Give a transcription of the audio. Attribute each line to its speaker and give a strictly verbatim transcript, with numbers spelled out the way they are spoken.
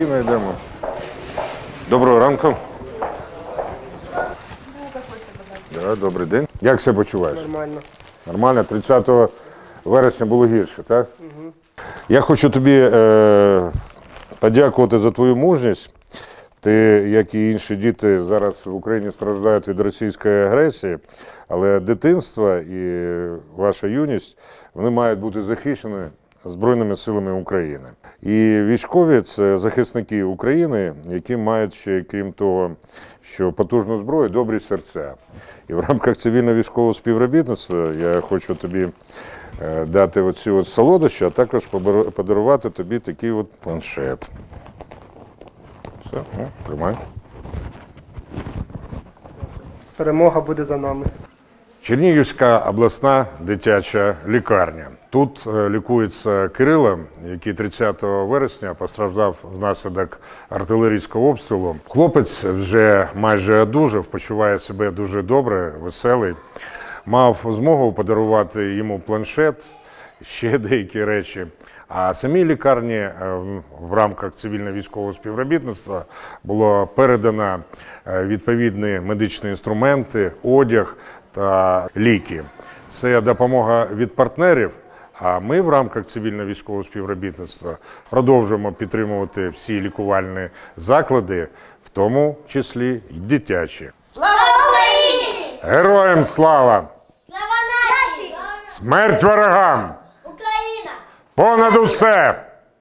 Speaker 1: Йдемо. Доброго ранку. Да, добрий день. Як себе почуваєш?
Speaker 2: Нормально.
Speaker 1: Нормально? тридцятого вересня було гірше, так? Угу. Я хочу тобі е, подякувати за твою мужність. Ти, як і інші діти, зараз в Україні страждають від російської агресії, але дитинство і ваша юність, вони мають бути захищені Збройними силами України. І військові – це захисники України, які мають ще, крім того, що потужну зброю, добрі серця. І в рамках цивільно-військового співробітництва я хочу тобі дати оці от солодощі, а також подарувати тобі такий от планшет. Все, ну, тримай.
Speaker 2: Перемога буде за нами.
Speaker 1: Чернігівська обласна дитяча лікарня. Тут лікується Кирило, який тридцятого вересня постраждав внаслідок артилерійського обстрілу. Хлопець вже майже одужав, почуває себе дуже добре, веселий. Мав змогу подарувати йому планшет, ще деякі речі. А самій лікарні в рамках цивільно-військового співробітництва було передано відповідні медичні інструменти, одяг та ліки. Це допомога від партнерів, а ми в рамках цивільно-військового співробітництва продовжуємо підтримувати всі лікувальні заклади, в тому числі й дитячі.
Speaker 3: Слава Україні!
Speaker 1: Героям слава!
Speaker 3: Слава нації!
Speaker 1: Смерть ворогам!
Speaker 3: Україна!
Speaker 1: Понад усе!